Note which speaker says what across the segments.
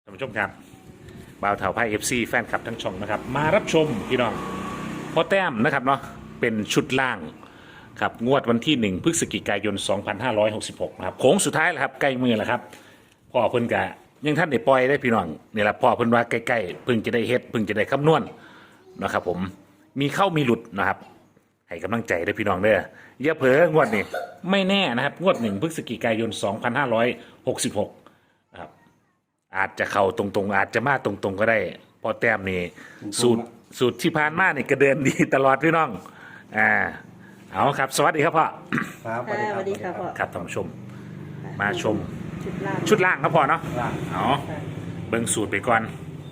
Speaker 1: ท่านผู้ชมครับบ่าวเถาไพ่FCแฟนคลับทั้งช่องนะครับมารับชมพี่น้องพ่อแต้มนะครับเนาะเป็นชุดล่างครับงวดวันที่1พฤศจิกายน2566นะครับโค้งสุดท้ายแล้วครับใกล้มือแล้วครับพ่อเพิ่นกะยังท่านได้ปล่อยได้พี่น้องนี่แหละพ่อเพิ่นว่าใกล้ๆเพิ่งจะได้เฮ็ดเพิ่งจะได้คำนวณนะครับผมมีเข้ามีหลุดนะครับให้กำลังใจได้พี่น้องเด้ออย่าเผลองวดนี้ไม่แน่นะครับงวด1พฤศจิกายน2566นะครับอาจจะเข้าตรงๆอาจจะมาตรงๆก็ได้พอแต้มนี่สูตรที่ผ่านมานี่ก็เดินดีตลอดพี่น้องเอาครับสวัสดีครับพ่อ
Speaker 2: ครับ
Speaker 3: ค่ะสวัสดีค่ะพ่อ
Speaker 1: ครับท่านผู้ชมมาชม
Speaker 3: ชุดล่าง
Speaker 1: ชุดล่างครับพ่อเนาะ
Speaker 2: ล่าง
Speaker 1: เอาเบิ่งสูตรไปก่อน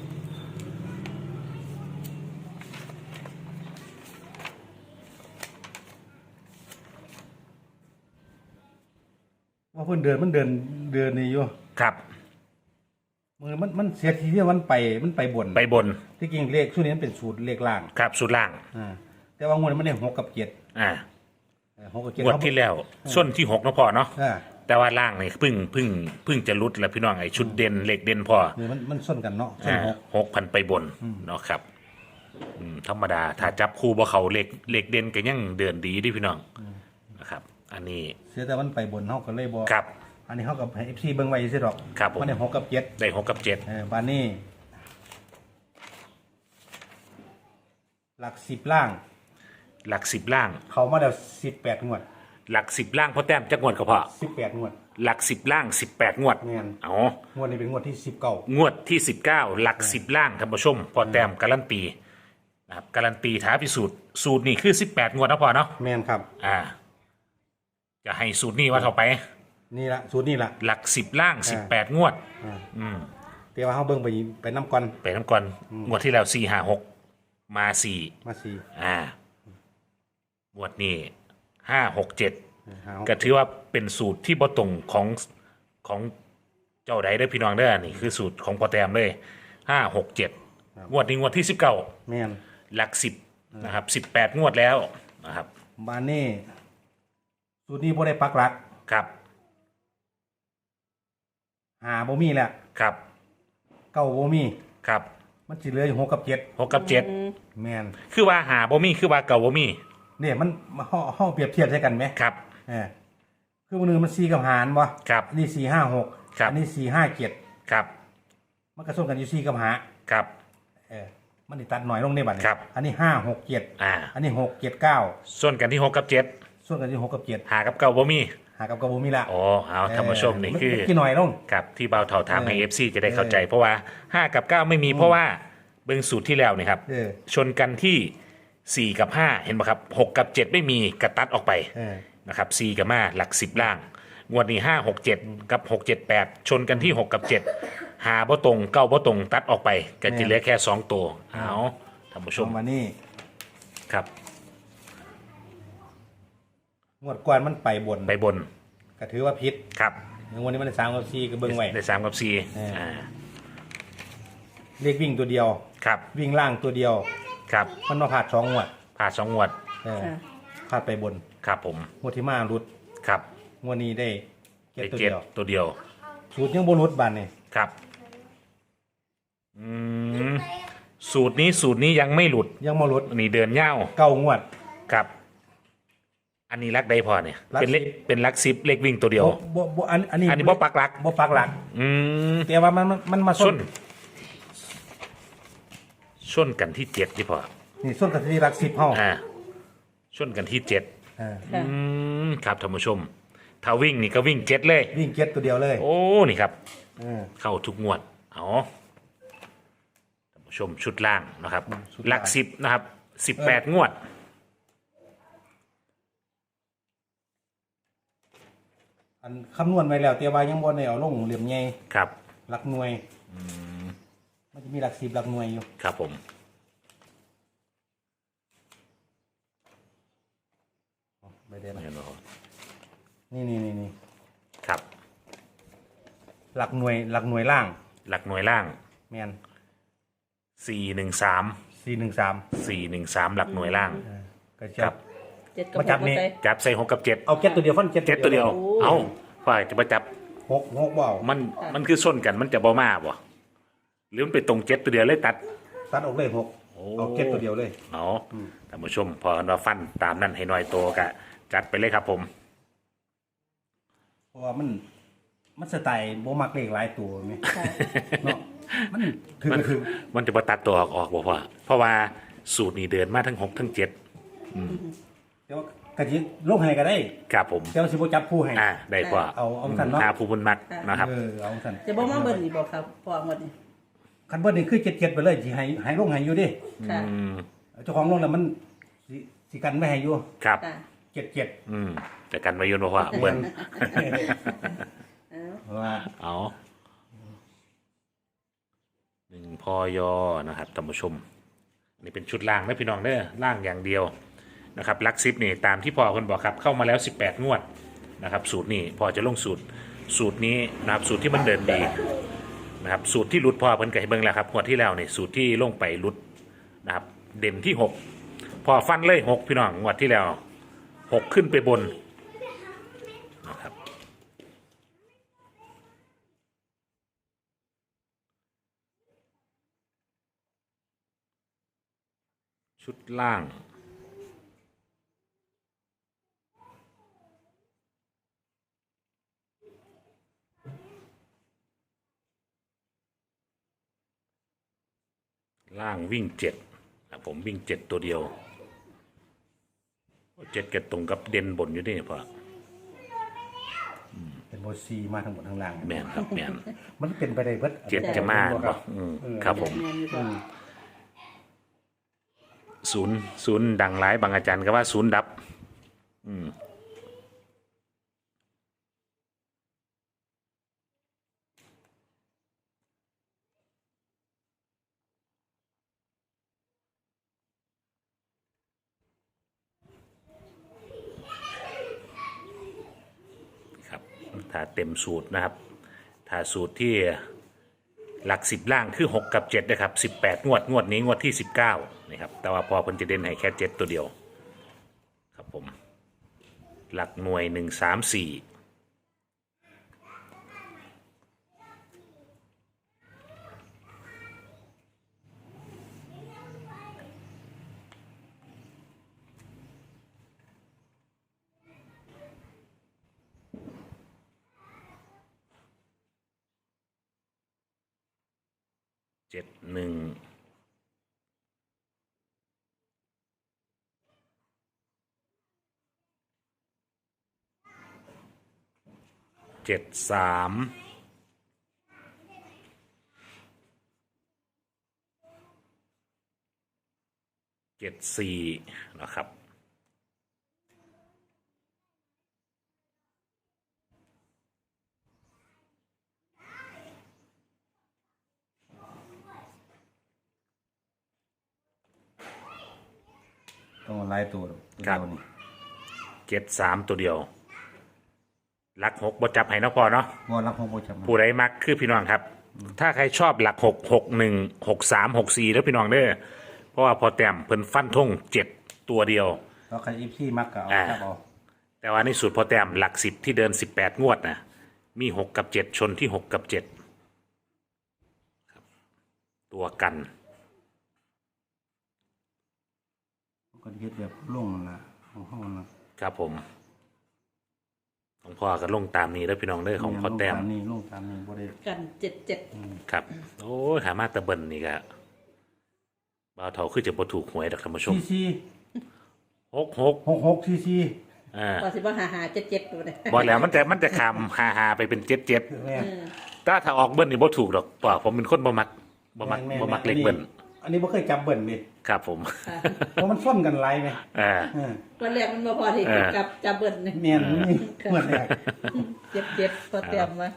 Speaker 2: ว่าเพิ่นเดินนี่อยู่
Speaker 1: ครับ
Speaker 2: มือมันเสียทีที่มันไปบน
Speaker 1: ไปบน
Speaker 2: ที่จริงเลขช่วงนี้มันเป็นสูตรเลขล่าง
Speaker 1: ครับสูตรล่าง
Speaker 2: แต่ว่างวดนี้มันได้6 กับ 7
Speaker 1: อ่า
Speaker 2: 6 กับ 7
Speaker 1: งวดที่แล้วส้นที่6นะพ่อเนาะ
Speaker 2: อ่า
Speaker 1: แต่ว่าล่างนี่เพิ่งจะรุดแล้วพี่น้องไอ้ชุดเด่นเหล็กเด่นพ่อ
Speaker 2: นี่มันส้นกันเนาะส้น
Speaker 1: 6,000ไปบนเนาะครับธรรมดาถ้าจับคู่บ่เขาเหล็กเด่นก็ยังเดินดีดิพี่น้องนะครับอันนี้
Speaker 2: เสียแต่มันไปบนเฮาก็เลยบ่
Speaker 1: ครับ
Speaker 2: อันนี้เฮากับให้ FC เบิ่งไว้ซื่อดอก
Speaker 1: ครับผม
Speaker 2: มันได้6 กับ 7
Speaker 1: ได้6 กับ 7
Speaker 2: บานนี้หลัก10ล่าง
Speaker 1: หลัก10ล่าง
Speaker 2: เขามาแล้ว18งวด
Speaker 1: หลัก10ล่างพ่อแต้มจักงวดก็พอ
Speaker 2: 18งวด
Speaker 1: หลัก10ล่าง18งวด
Speaker 2: แม่น
Speaker 1: เอา
Speaker 2: งวดนี้เป็นงวดที่19
Speaker 1: งวดที่19หลัก10ล่างท่านผู้ชมพอแต้มการันตีนะครับการันตีท้าพิสูจน์สูตรนี่คือ18งวดนะพอเนาะ
Speaker 2: แม่นครับ
Speaker 1: จะให้สูตรนี้ว่าเท่าไป
Speaker 2: นี่ละสูตรนี่ละ
Speaker 1: หลัก10ล่าง18งวด
Speaker 2: แต่ว่าเฮาเบิ่งไปน้ำก่อน
Speaker 1: ไปน้ำก่อนงวดที่แล้ว4 5 6มา4
Speaker 2: มาสี่
Speaker 1: งวดนี้5 6 7
Speaker 2: หา
Speaker 1: ก็ถือว่าเป็นสูตรที่บ่ตรงของเจ้าใดได้อพี่น้องเด้อนี่คือสูตรของพอแต้มเลย5 6 7งวดนี้งวดที่19
Speaker 2: แม่น
Speaker 1: หลัก10นะครับ18งวดแล้วนะครับ
Speaker 2: บ้านนี้สูตรนี้บ่ได้ปักหลัก
Speaker 1: ครับ
Speaker 2: หาบ่มีแล้ว
Speaker 1: ครับ
Speaker 2: เก้าบ่มี
Speaker 1: ครับ
Speaker 2: มันสิเหลืออยู่6 กับ
Speaker 1: 6 กับ
Speaker 2: 7แม่น
Speaker 1: 7คือว่าหาบ่มีคือว่าเก่าบ่มี
Speaker 2: เนี่ยมันเฮาเปรียบเทียบใช่กันไหม
Speaker 1: ครับ
Speaker 2: คือมื้อนึงมัน4กับหารบ่
Speaker 1: ครับ
Speaker 2: อันนี้4 5 6
Speaker 1: ครับ
Speaker 2: อันนี้4 5 7
Speaker 1: ครับ
Speaker 2: มันก็ส่วนกันอยู่4กับหา
Speaker 1: ครับ
Speaker 2: มันสิตัดหน่อยลงในบัดนี้
Speaker 1: ครับ
Speaker 2: อันนี้5 6 7อันนี้6 7 9
Speaker 1: ส่วนกันที่6 กับ 7
Speaker 2: ส่วนกันอยู่6 กับ 7
Speaker 1: หากับเก่าบ่มี
Speaker 2: หากับบ่มีละ
Speaker 1: อ๋อเอาท่านผู้ชมนี่คือ
Speaker 2: กี่หน่อยลง
Speaker 1: ครับที่เบาเท่าถามให้ FC จะได้เข้าใจ เพราะว่า5กับ9ไม่มีเพราะว่าเบิ่งสูตรที่แล้วนี่ครับชนกันที่4กับ5เห็นบ่ครับ6กับ7ไม่มีกระตัดออกไปนะครับ4กับ5หลัก10ล่างงวดนี้5 6 7กับ6 7 8ชนกันที่6กับ7หาบ่ตรงเก้าบ่ตรงตัดออกไปก็จะเหลือแค่2ตัวเอาท่านผู้ชม
Speaker 2: มานี่
Speaker 1: ครับ
Speaker 2: งวดก่อนมันไปบน
Speaker 1: ไปบน
Speaker 2: ก็ถือว่าผิด
Speaker 1: ครับ
Speaker 2: งวดนี้มันได้3กับ4ก็เบิ่งไว้
Speaker 1: ได้3กับ4
Speaker 2: เลขวิ่งตัวเดียว
Speaker 1: ครับ
Speaker 2: วิ่งล่างตัวเดียว
Speaker 1: ครับ
Speaker 2: มันมาผ่าด2งวด
Speaker 1: ผ่า2งวด
Speaker 3: ค่ะ
Speaker 2: ผ่าดไปบน
Speaker 1: ครับผม
Speaker 2: งวดที่มารุด
Speaker 1: ครับ
Speaker 2: งวดนี้ได้เก็บ
Speaker 1: ได้
Speaker 2: ตัว
Speaker 1: เจ็
Speaker 2: เดี
Speaker 1: ด
Speaker 2: ยว
Speaker 1: ตัวเดียว
Speaker 2: สูตรยังบ่รุดบานนี่
Speaker 1: ครับสูตรนี้ยังไม่หลุด
Speaker 2: ยังบ่รุด
Speaker 1: นี่เดินเง่า
Speaker 2: 9งวด
Speaker 1: ครับ อันนี้รักได้พอเนี่ย
Speaker 2: รัก
Speaker 1: เป็นเลข
Speaker 2: สิบ
Speaker 1: เป็นรักซิปเลขวิ่งตัวเดียว
Speaker 2: บ่อันนี้
Speaker 1: อันนี้บ่ปักหลัก
Speaker 2: บ่ปักหลัก
Speaker 1: อืม
Speaker 2: แต่ว่ามันมา
Speaker 1: ส้
Speaker 2: ส้
Speaker 1: น
Speaker 2: น
Speaker 1: ส้นกันที่7ที่พอ
Speaker 2: นี่ส้นกับที่รัก10เฮา
Speaker 1: ส้นกันที่7
Speaker 2: อ่า
Speaker 3: ค่ะ
Speaker 1: ครับท่านผู้ชม ถ้าวิ่งนี่ก็วิ่ง7เลย
Speaker 2: วิ่งเก็ตตัวเดียวเลย
Speaker 1: โอ้นี่ครับ
Speaker 2: อ่า
Speaker 1: เข้าทุกงวดเอาท่านผู้ชมชุดล่างนะครับ
Speaker 2: ชุด
Speaker 1: ห
Speaker 2: ล่าง
Speaker 1: ลัก10นะครับ18งวด
Speaker 2: อันคำนวณไว้แล้วแต่ว่ายังบ่ได้เอาลงเหลี่ยมใหญ่
Speaker 1: ครับ
Speaker 2: หลักหน่วยมันจะมีหลัก10หลักหน่วยอยู่
Speaker 1: ครับผม
Speaker 2: ไม่ได้นะ
Speaker 1: เห็นบ่ครับ
Speaker 2: นี่
Speaker 1: ครับ
Speaker 2: หลักหน่วยล่าง
Speaker 1: หลักหน่วยล่าง
Speaker 2: แมน
Speaker 1: 413
Speaker 2: 413
Speaker 1: หลักหน่วยล่าง
Speaker 2: ก็
Speaker 1: ค
Speaker 2: จะ
Speaker 1: รับ
Speaker 3: 7กับ
Speaker 2: มาจับ
Speaker 3: 6
Speaker 2: นี่
Speaker 3: ใส่
Speaker 1: จับใส่6กับ7
Speaker 2: เอาเก็ตตัวเดียวฟันเก็ต
Speaker 1: 7ตัวเดียว
Speaker 3: โอ้
Speaker 1: เอาฝ่ายจะมาจับ
Speaker 2: หกเบา
Speaker 1: มันคือส้นกันมันจะบ่มาบ่หรือมันไปตรงเจ็ดตัวเดียวเลยตัด
Speaker 2: ตัดออกเลยหก
Speaker 1: โอ้
Speaker 2: เอาเก็ตตัวเดียวเลย
Speaker 1: เอาท่านผู้ชมพอเราฟันตามนั้นให้หน่อยโตกะจัดไปเลยครับผม
Speaker 2: เพราะว่ามันสไตล์โบมักเลขหลายตัวไหม
Speaker 3: ค่ะ
Speaker 2: เนาะมันถึงก็ถึง
Speaker 1: มันจะมาตัดตัวออกบอกว่า เพราะว่าสูตรนี้เดินมาทั้งหกทั้งเจ็ด
Speaker 2: แต่ว่ากะจิลงให้ก็ได้
Speaker 1: ครับผม
Speaker 2: แต่ว่าสิบ่จับคู่ให้
Speaker 1: ได้กว่า
Speaker 2: เอาสั่นเนาะ
Speaker 1: หาผู้บุญมักนะครับ
Speaker 2: เอาสั่น
Speaker 3: จะบอกมาเบิ่นนี่บอกครับพอหมดนี่
Speaker 2: คันเบิ้ลนี่คือเจ็ดไปเลยสิให้ลงให้อยู่ดิ
Speaker 3: ค่ะ
Speaker 2: เจ้าของลงแล้วมันสิกันไม่ให้อยู่
Speaker 1: ครับ
Speaker 3: ค่ะ
Speaker 2: เจ็ด
Speaker 1: แต่กันมายุนบอกว่าเบิ้ล
Speaker 2: เพราะว่า
Speaker 1: เอาหนึ่งพอยอนะครับท่านผู้ชม นี่เป็นชุดล่างนะพี่น้องเด้อล่างอย่างเดียวนะครับลักซิปนี่ตามที่พ่อคนบอกครับเข้ามาแล้ว18งวดนะครับสูตรนี้พอจะลงสูตรนี้นะครับสูตรที่มันเดินดีนะครับสูตรที่หลุดพอเพิ่นก็ให้เบิ่งแล้วครับงวดที่แล้วนี่สูตรที่ลงไปหลุดนะครับเด่นที่6พอฟันเลย6พี่น้องงวดที่แล้ว6ขึ้นไปบนนะครับชุดล่างล่างวิ่ง7นะผมวิ่ง7ตัวเดียว7กับตรงกับเด่นบนอยู่นี่พ่อ
Speaker 2: เป็นโบซีมาทั้งหมดทั้งล่าง
Speaker 1: แม่นครับแม่น
Speaker 2: มันเป็นไปได้เบิด
Speaker 1: 7จะมาบ่ครับผม
Speaker 3: แม่นอยู่บ่
Speaker 1: ศูนย์ดังหลายบางอาจารย์ก็ว่าศูนย์ดับครับถ้าเต็มสูตรนะครับ ถ้าสูตรที่หลัก10ล่างคือ6กับ7นะครับ18งวดนี้งวดที่19นะครับแต่ว่าพอเพิ่นจะเด่นให้แค่7ตัวเดียวครับผมหลักหน่วย1 3 47 17 37 4นะครับ
Speaker 2: ต้องเอาหลายตัวเดียวนี่
Speaker 1: 7 3ตัวเดียวหลัก6บ่จับให้เนาะพอเนาะ
Speaker 2: บ่รับของโบจับมา
Speaker 1: ผู้ใดมักคือพี่น้องครับ ถ้าใครชอบหลัก6 6 1 6 3 6 4แล้วพี่น้องเด้อเพราะว่าพอแต้มเพิ่นฟันธง7ตัวเดียว
Speaker 2: แล้วใครอีพี่มักก็เอา
Speaker 1: อ่า
Speaker 2: จับเอา
Speaker 1: แต่ว่าในสูตรพอแต้มหลัก10ที่เดิน18งวดนะมี6กับ7ชนที่6กับ7ครับตัวกัน
Speaker 2: ก็เฮ็ดแบบลงนั่นล่ะของเฮานั่นล่ะ
Speaker 1: ครับผมของพ่อก็ลงตามนี้แล้วพี่น้องเด้อของพอแต้ม
Speaker 2: ลงตามนี้บ่ได้
Speaker 3: กัน77
Speaker 1: ครับ โอ้ยหามาตะเบินนี่ก็บ่าวเฒ่าคือจะบ่ถูกหวยดอกท่านผู้ชม
Speaker 2: ซี
Speaker 1: 66
Speaker 2: 66ซีซี
Speaker 1: อ่า
Speaker 3: พอสิบ่หา77ตัวเด้
Speaker 1: บอกแล้วมันจะคำฮาไปเป็น77
Speaker 2: แม่น
Speaker 1: ถ้าออกเบิ้ลนี่บ่ถูกดอกป่าผมเป็นคนบ่มักบ่มักเล็กเบิ้ล
Speaker 2: อันนี้บ่เคยจับเบิ่นเลย
Speaker 1: ครับผม
Speaker 2: เพราะมันซ่อนกันหลายไหม
Speaker 1: อ่า
Speaker 2: เออ
Speaker 3: วันแรกมันบ่พอที่กับจับเบิ่นนี่
Speaker 2: แม่นนี่เหมือนแรก
Speaker 3: 77พอเตรียมมา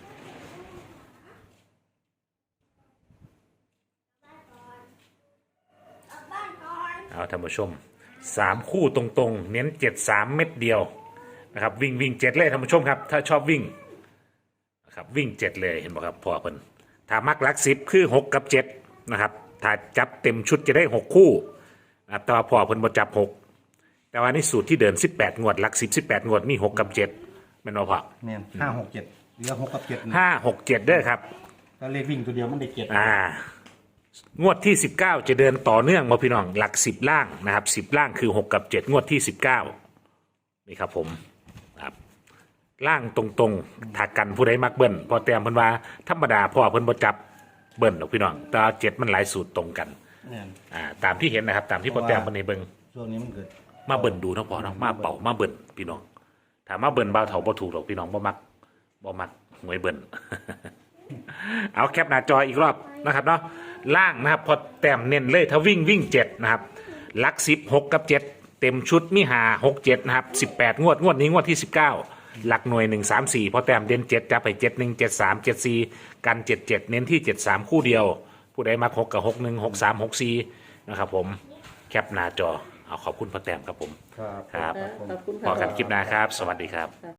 Speaker 1: เอาท่านผู้ชม3คู่ตรงๆ เน้น73เม็ดเดียวนะครับวิ่ง7เลยท่านผู้ชมครับ ถ้าชอบวิ่งนะครับวิ่ง7เลยเห็นบ่ครับพ่อเพิ่นถ้ามักหลัก10คือ6กับ7นะครับถ้าจับเต็มชุดจะได้6คู่นะครับแต่ว่าพ่อเพิ่นบ่จับ6แต่ว่าในสูตรที่เดิน18งวดหลัก10 18งวดมี6กับ7แม่นบ่พ่อ
Speaker 2: แม่น567เหลือ6กับ7
Speaker 1: 5 6 7เด้อครับ
Speaker 2: ถ้าเลขวิ่งตัวเดียวมันได้เจ็ด
Speaker 1: งวดที่ 19 จะเดินต่อเนื่องมาพี่น้องหลัก10ล่างนะครับ10ล่างคือ6กับ7งวดที่ 19นี่ครับผมครับล่างตรงๆถ้ากันผู้ใดมักเบิ้ลพอแต้มเพิ่นว่าธรรมดาพ่อเพิ่นบ่จับเบิ้ลหรอกพี่น้องแต่7มันหลายสูตรตรงกัน
Speaker 2: เนี่ย
Speaker 1: ตามที่เห็นนะครับตามที่พอแต้มเพิ่นให้เบิ่ง
Speaker 2: ช่วงนี้มันเกิด
Speaker 1: มาเบิ่นดูเนาะพอเนาะมาเป่ามาเบิ่นพี่น้องถ้ามาเบิ่นบ่าวเฒ่าบ่ถูกหรอกพี่น้องบ่มักหวยเบิ่น เอาแคปหน้าจออีกรอบนะครับเนาะล่างนะครับพอแต้มเน้นเลยถ้าวิ่ง7นะครับหลัก10 6กับ7เต็มชุดมี5 6 7นะครับ18งวดนี้งวดที่19หลักหน่วย1 3 4พอแต้มเด่น7จับไป7 1 7 3 7 4กัน77เน้นที่73คู่เดียวผู้ใดมัก6กับ6 1 6 3 6 4นะครับผมแคปหน้าจอเอาขอบคุณพอแต้มครับผม
Speaker 2: ครับ
Speaker 1: ครับ
Speaker 3: ขอบคุณ
Speaker 1: พอ
Speaker 3: ค่ะ
Speaker 1: กันคลิปหน้าครับ สวัสดีครับ